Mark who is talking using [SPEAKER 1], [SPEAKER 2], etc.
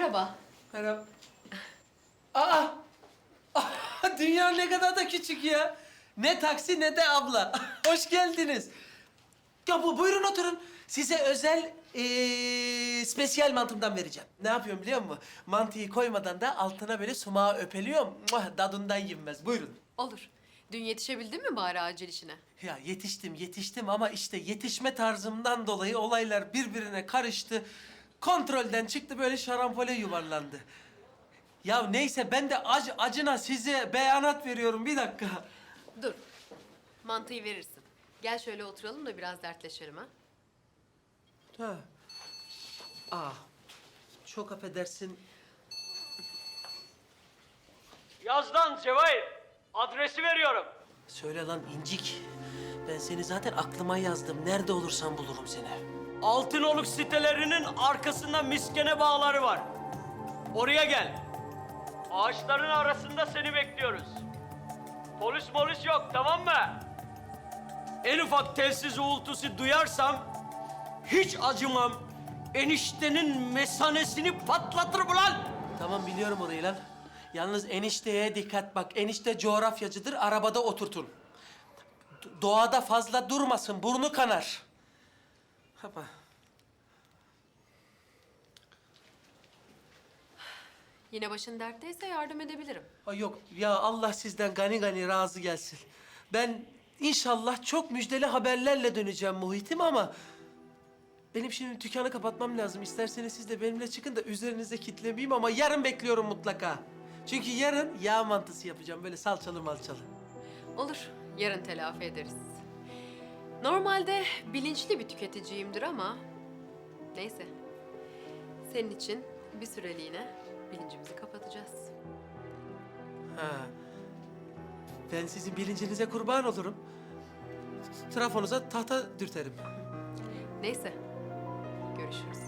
[SPEAKER 1] Merhaba.
[SPEAKER 2] Merhaba. Aa! Dünya ne kadar da küçük ya. Ne taksi ne de abla. Hoş geldiniz. Ya buyurun oturun. Size özel spesiyel mantımdan vereceğim. Ne yapıyorum biliyor musun? Mantıyı koymadan da altına böyle sumağı öpeliyorum. Muah, dadından yenmez. Buyurun.
[SPEAKER 1] Olur. Dün yetişebildin mi bari acil işine?
[SPEAKER 2] Ya yetiştim ama işte yetişme tarzımdan dolayı olaylar birbirine karıştı. Kontrolden çıktı böyle şarampole yuvarlandı. Ya neyse ben de acına size beyanat veriyorum bir dakika.
[SPEAKER 1] Dur. Mantıyı verirsin. Gel şöyle oturalım da biraz dertleşelim ha.
[SPEAKER 2] Ha. Aa, çok affedersin.
[SPEAKER 3] Yaz lan Cevahir. Adresi veriyorum.
[SPEAKER 2] Söyle lan incik. Ben seni zaten aklıma yazdım. Nerede olursan bulurum seni.
[SPEAKER 3] Altınoluk sitelerinin arkasında miskene bağları var. Oraya gel. Ağaçların arasında seni bekliyoruz. Polis yok, tamam mı? En ufak telsiz uğultusu duyarsam hiç acımam. Eniştenin mesanesini patlatırım ulan.
[SPEAKER 2] Tamam biliyorum orayı lan. Yalnız enişteye dikkat bak. Enişte coğrafyacıdır. Arabada oturtun. Doğada fazla durmasın. Burnu kanar. Hapa.
[SPEAKER 1] Yine başın dertteyse yardım edebilirim.
[SPEAKER 2] Ay yok ya Allah sizden gani gani razı gelsin. Ben inşallah çok müjdeli haberlerle döneceğim Muhit'im ama... Benim şimdi dükkanı kapatmam lazım. İsterseniz siz de benimle çıkın da üzerinize kitlemeyeyim ama yarın bekliyorum mutlaka. Çünkü yarın yağ mantısı yapacağım. Böyle salçalı malçalı.
[SPEAKER 1] Olur. Yarın telafi ederiz. Normalde bilinçli bir tüketiciyimdir ama... Neyse. Senin için bir süreliğine bilincimizi kapatacağız.
[SPEAKER 2] Ha. Ben sizin bilincinize kurban olurum. Trafonuza tahta dürterim.
[SPEAKER 1] Neyse. Görüşürüz.